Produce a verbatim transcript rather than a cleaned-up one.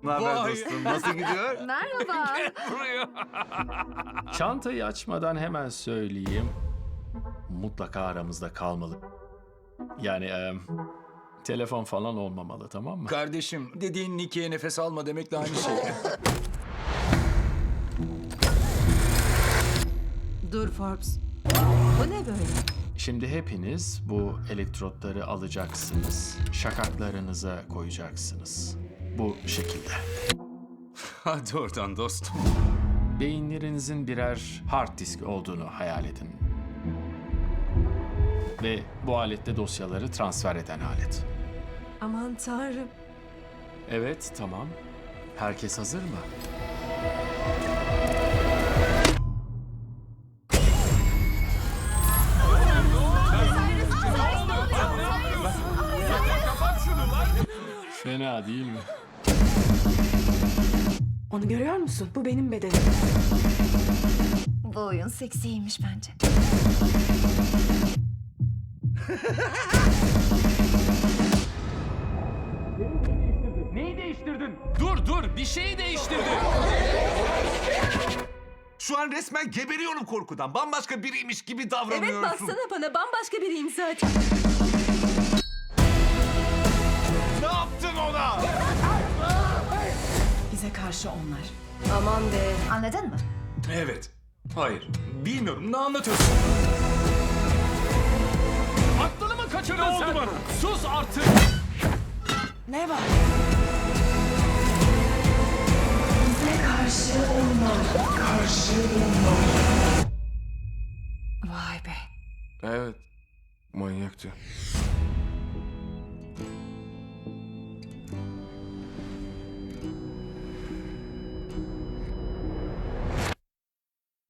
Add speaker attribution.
Speaker 1: Ne haber
Speaker 2: Vay.
Speaker 1: dostum? Nasıl gidiyor?
Speaker 3: Merhaba.
Speaker 2: Buraya.
Speaker 4: Çantayı açmadan hemen söyleyeyim. Mutlaka aramızda kalmalı. Yani e, telefon falan olmamalı, tamam mı?
Speaker 2: Kardeşim, dediğin Nicky'ye nefes alma demekle aynı şey.
Speaker 5: Dur Forbes. Bu ne böyle?
Speaker 4: Şimdi hepiniz bu elektrotları alacaksınız. Şakaklarınıza koyacaksınız. Bu şekilde.
Speaker 2: Hadi oradan dostum.
Speaker 4: Beyinlerinizin birer hard disk olduğunu hayal edin. Ve bu alette dosyaları transfer eden alet.
Speaker 5: Aman tanrım.
Speaker 4: Evet, tamam. Herkes hazır mı? Fena değil mi?
Speaker 5: Onu görüyor musun? Bu benim bedenim.
Speaker 3: Bu oyun seksiymiş bence.
Speaker 2: Neyi değiştirdin? Dur dur, bir şeyi değiştirdin.
Speaker 1: Şu an resmen geberiyorum korkudan. Bambaşka biriymiş gibi
Speaker 5: Evet
Speaker 1: davranıyorsun.
Speaker 5: baksana bana bambaşka biriyim zaten.
Speaker 1: Ne yaptın ona?
Speaker 5: Bize karşı onlar. Aman be.
Speaker 3: Anladın mı?
Speaker 2: Evet. Hayır. Bilmiyorum. Ne anlatıyorsun? Aklını mı kaçırdın ne sen? Oldu bana? Sus artık.
Speaker 5: Ne var? Bize karşı onlar. Karşı onlar. Vay be.
Speaker 2: Evet. Manyaktı.